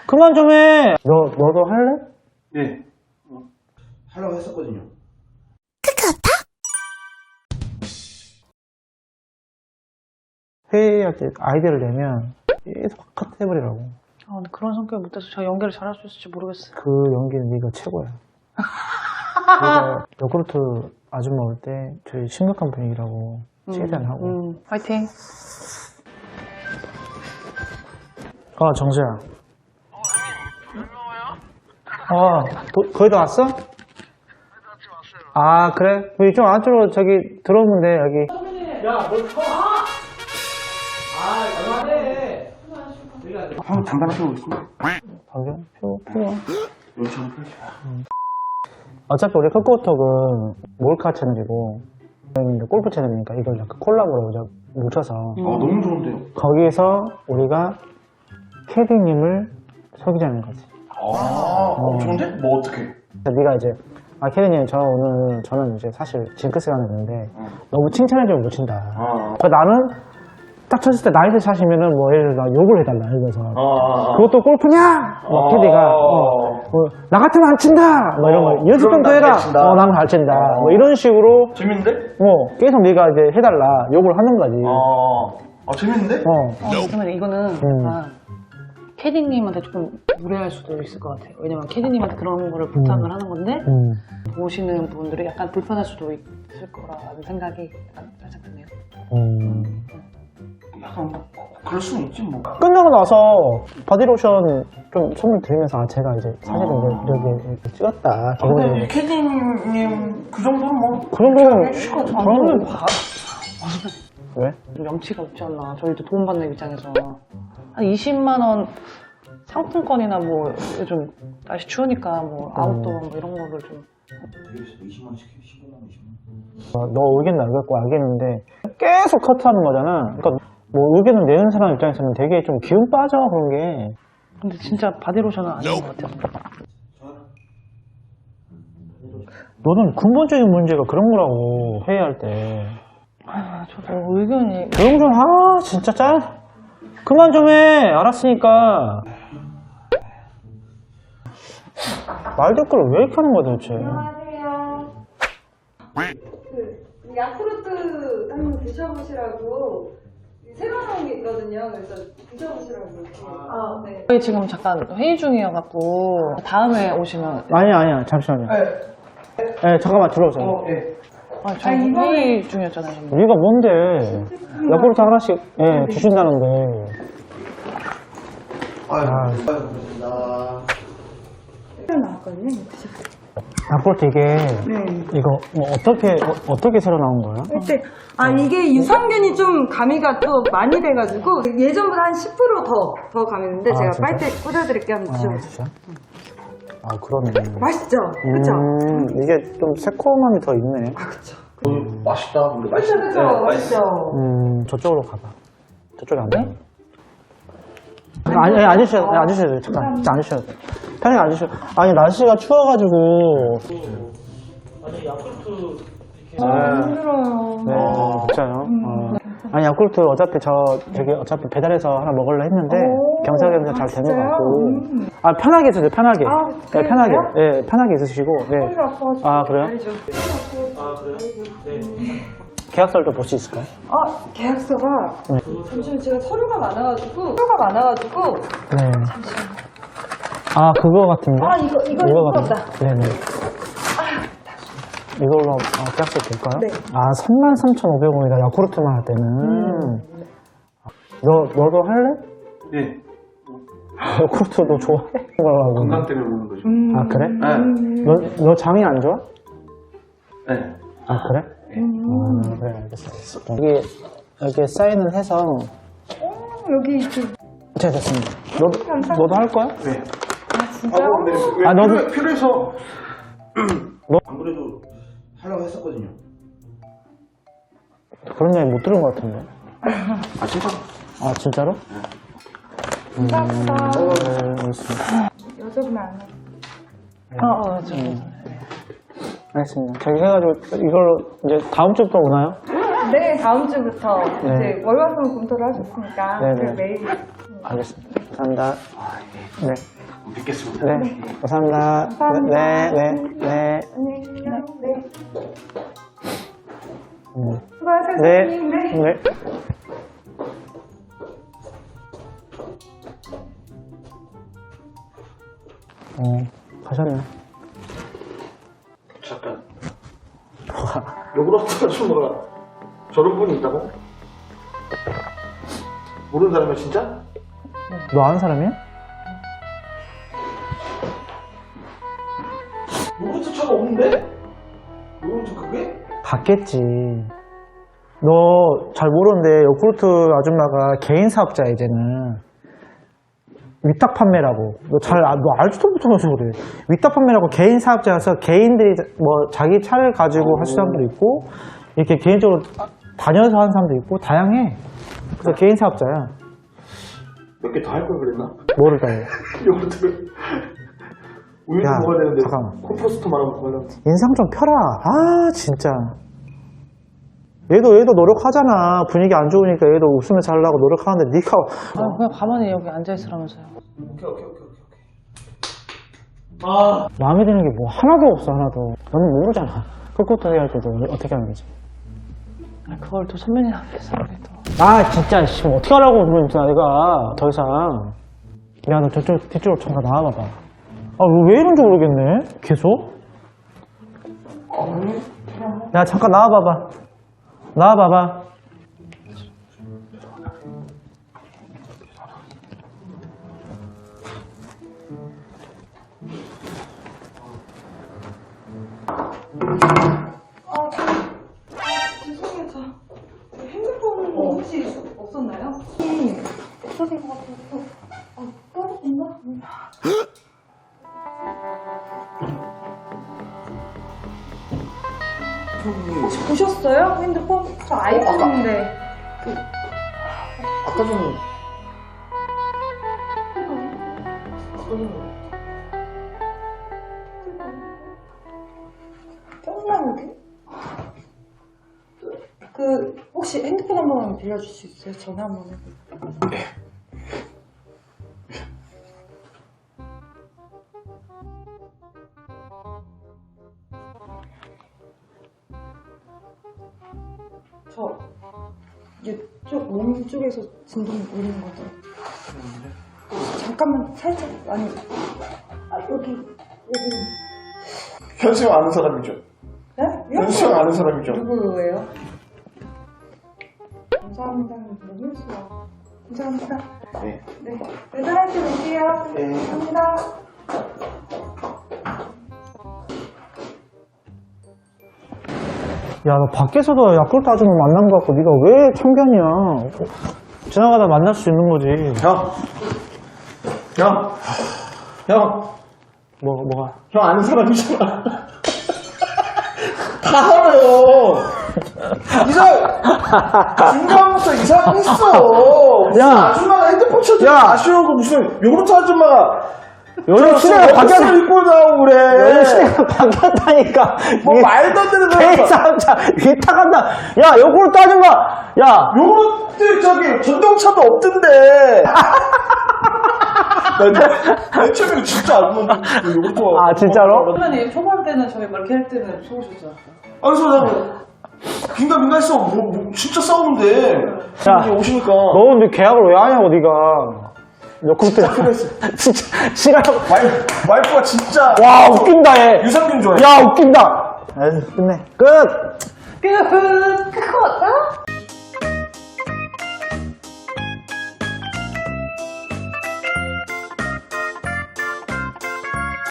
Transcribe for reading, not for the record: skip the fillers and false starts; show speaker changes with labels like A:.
A: 그만 좀 해. 너도 할래?
B: 네. 하려고 했었거든요.
A: 회의할 때 아이디어를 내면 계속 컷 해버리라고.
C: 아, 근데 그런 성격이 못돼서 제가 연기를 잘할 수 있을지 모르겠어요.
A: 그 연기는 네가 최고야. 내가 요구르트 아줌마 올 때 저희 심각한 분위기라고 최대한 하고.
C: 화이팅.
A: 정수야. 거의 다 왔어? 아, 그래? 우리 좀 안쪽으로 저기 들어오면 돼, 여기. 야, 뭘 쳐? 얼마네.
B: 형 잠깐 하고 있습니다.
A: 방금? 표.
B: 여기 한번 펼쳐.
A: 어차피 우리 컵고톡은 몰카 채널이고, 저희는 골프 채널이니까 이걸 약간 콜라보로 뭉쳐서.
B: 너무 좋은데요?
A: 거기에서 우리가 캐디님을 속이자는 거지.
B: 좋은데? 뭐 어떻게?
A: 네가 이제 캐디님 저는 이제 사실 징크스가 있는데 너무 칭찬해주면 못 친다. 그러니까 나는 딱 쳤을 때 나이스 샷이면은 뭐 예를 들어 욕을 해달라 이래서 그것도 골프냐? 캐디가 나 같으면 안 친다. 뭐 이런 거 연습 좀 더 해라. 나는 잘 친다. 뭐 이런 식으로
B: 재밌는데?
A: 계속 네가 이제 해달라 욕을 하는 거지.
B: 재밌는데?
C: 그러면 이거는 캐디님한테 조금 무례할 수도 있을 것 같아요. 왜냐면 캐디님한테 그런 거를 부탁을 하는 건데 보시는 분들이 약간 불편할 수도 있을 거라는 생각이 약간 살짝 드네요.
B: 약간 그럴 수는 있지 뭐.
A: 끝나고 나서 바디로션 좀 선물 드리면서 제가 이제 사실은 이렇게 찍었다.
B: 근데 캐디님 그 정도는 뭐.
A: 그 정도는
C: 저는
A: 왜?
C: 좀 염치가 없지 않나. 저희도 도움받는 입장에서 한 20만 원 상품권이나 뭐 요즘 날씨 추우니까 뭐 아웃도어 뭐 이런 거를 좀.
B: 20만 원씩 해. 15만 원, 20만 원.
A: 너 의견 알겠고 알겠는데 계속 커트하는 거잖아. 그러니까 뭐 의견을 내는 사람 입장에서는 되게 좀 기운 빠져 그런 게.
C: 근데 진짜 바디로션은 아닌 것 같아요.
A: 너는 근본적인 문제가 그런 거라고 회의할 때.
C: 저도 의견이.
A: 조용 좀 진짜 그만 좀 해. 알았으니까. 말 댓글을 왜 이렇게 하는 거야 도대체.
D: 안녕하세요. 야쿠르트 한번 드셔보시라고 새로 나온 게 있거든요. 그래서 드셔보시라고 이렇게. 네.
C: 저희 지금 잠깐 회의 중이어갖고 다음에 오시면.
A: 아니야 잠시만요. 네, 잠깐만 들어오세요.
C: 저희 회의 중이었잖아요. 지금.
A: 우리가 뭔데 야쿠르트 하나씩 주신다는데.
B: 고맙습니다.
D: 새로 나왔거든요.
A: 야쿠르트 이게 이거 뭐 어떻게 새로 나온 거야?
D: 이게 유산균이 좀 가미가 또 많이 돼가지고 예전보다 한 10% 더 가미는데 제가
A: 진짜?
D: 빨대 꽂아드릴게요. 한번 드셔보세요.
A: 진짜? 그러네.
D: 맛있죠? 그쵸?
A: 이게 좀 새콤함이 더 있네.
D: 그쵸.
B: 맛있다. 근데
D: 그쵸, 맛있죠?
A: 저쪽으로 가봐. 저쪽에 안 돼? 앉으셔도 돼요. 잠깐. 진짜 앉으셔도 돼요. 편하게 앉으셔도 돼요. 아니, 날씨가 추워가지고. 아니, 야쿠르트.
D: 힘들어요.
A: 네, 진짜요. 아니, 야쿠르트 어차피 배달해서 하나 먹으려 했는데, 겸사겸사 잘 된 것 같고. 편하게 있으세요, 편하게. 네, 편하게. 네, 편하게 있으시고. 네. 그래요? 그래요? 네. 계약서를 좀 볼 수 있을까요?
D: 계약서가 잠시만 제가 서류가 많아가지고
A: 네. 그거 같은데?
D: 이거
A: 같은데? 네네. 이걸로 계약서 볼까요?
D: 네.
A: 33,500원이다. 야쿠르트만 할 때는. 너도 할래?
B: 네.
A: 야쿠르트 너 좋아해?
B: 건강 때문에 먹는 거죠.
A: 그래?
B: 네.
A: 너 장이 안 좋아?
B: 네.
A: 그래? 그래, 알겠어. 여기 사인을 해서.
D: 여기 이렇게
A: 자, 됐습니다. 너도 할 거야?
B: 네.
D: 진짜요?
A: 너도.
B: 필요해서. 안 그래도 하려고 했었거든요.
A: 그런 얘기 못 들은 것 같은데.
B: 진짜로?
A: 진짜로?
D: 감사합니다.
A: 네, 알겠습니다.
D: 여쭤보면 안 해요.
A: 알겠습니다. 저기 해가지고 이걸로 이제 다음 주부터 오나요?
D: 네, 다음 주부터
A: 네.
D: 이제 월화수목 검토를 하셨으니까
A: 네네.
D: 매일
A: 알겠습니다. 감사합니다. 네.
B: 뵙겠습니다.
A: 네, 감사합니다. 네, 네, 네.
D: 안녕히 계세요. 네. 수고하세요.
A: 네,
D: 선생님. 네.
A: 네. 가셨네.
B: 잠깐. 요구르트 아줌마가 저런 분이 있다고? 모르는 사람이야 진짜?
A: 너 아는 사람이야?
B: 요구르트 차가 없는데? 요구르트 그게?
A: 갔겠지. 너 잘 모르는데 요구르트 아줌마가 개인 사업자야 이제는. 위탁 판매라고. 너 알지도 못하면서 그래. 위탁 판매라고 개인 사업자여서 개인들이 뭐 자기 차를 가지고 하시는 사람도 있고 이렇게 개인적으로 다녀서 하는 사람도 있고 다양해. 그래서 개인 사업자야.
B: 몇 개 다 할 걸 그랬나?
A: 뭐를 다 해?
B: 요구르트 우유도
A: 야,
B: 먹어야 되는데
A: 잠깐만.
B: 콤포스트만 하고 먹으려고.
A: 인상 좀 펴라. 아 진짜. 얘도 노력하잖아. 분위기 안 좋으니까 얘도 웃으면서 하려고 노력하는데 네가
C: 아, 그냥 가만히 여기 앉아있으라면서요.
B: 오케이. 아
A: 마음에 드는 게 뭐 하나도 없어 하나도. 너는 모르잖아. 그것부터 해야 할 때도 어떻게 하는 거지?
C: 아, 그걸 또 선배님 앞에서 우리 또.
A: 아 진짜 씨 어떻게 하라고 그러면 내가 더 이상. 야 너 저쪽 뒤쪽으로 잠깐 나와봐봐. 아 왜 이런지 모르겠네 계속. 야 잠깐 나와봐봐.
D: 죄송해요. 저 핸드폰 혹시 없었나요? 없어진 것 같아서. 떨어졌나? 혹시 보셨어요? 핸드폰? 저 아이폰인데.
B: 아까 전에
D: 쫑나는데? 그 혹시 핸드폰 한 번만 빌려줄 수 있어요? 전화 한 번 해볼게요. 저 이쪽 몸 쪽에서 진동 울리는 거죠? 잠깐만 살짝 아니 여기
B: 현수 형 아는 사람이죠?
D: 네?
B: 현수 형 아는 사람이죠?
D: 누구예요? 감사합니다. 너무 수고. 감사합니다.
B: 네.
D: 네. 배달할 때 올게요.
B: 네.
D: 감사합니다.
A: 야 너 밖에서도 야쿠르트 아줌마 만난 거 같고 네가 왜 참견이야. 지나가다 만날 수 있는 거지.
B: 형
A: 뭐가?
B: 형 아는 사람이잖아. 다 알아요. 중간부터 이상했어.
A: 야.
B: 아줌마가 핸드폰 쳐도
A: 야.
B: 아쉬워고 무슨 요구르트 아줌마가
A: 요즘 시대가 바뀌었
B: 입고 나오고 그래.
A: 요즘 시대가 바뀌었다니까.
B: 뭐 말도 안 되는
A: 개인
B: 거야.
A: 사업자 위탁한다. 야 요구르트 아줌마. 야
B: 요구르트 저기 전동차도 없던데. 맨 처음에 진짜 안 먹는 요구르트.
A: 아, 진짜로?
C: 선배님 초반 때는 저희 막 이렇게 할 때는 좋으셨죠?
B: 그래서 나 긴가민가했어. 뭐 진짜 싸우는데.
A: 야.
B: 형이 오시니까.
A: 너 근데 계약을 왜 하냐고 네가. 요구르트
B: 필요했어.
A: 진짜 싫어하고.
B: 와이프가 진짜.
A: 와 웃긴다 얘.
B: 유산균 좋아해.
A: 야 웃긴다. 에이, 끝내. 끝.
C: 끝!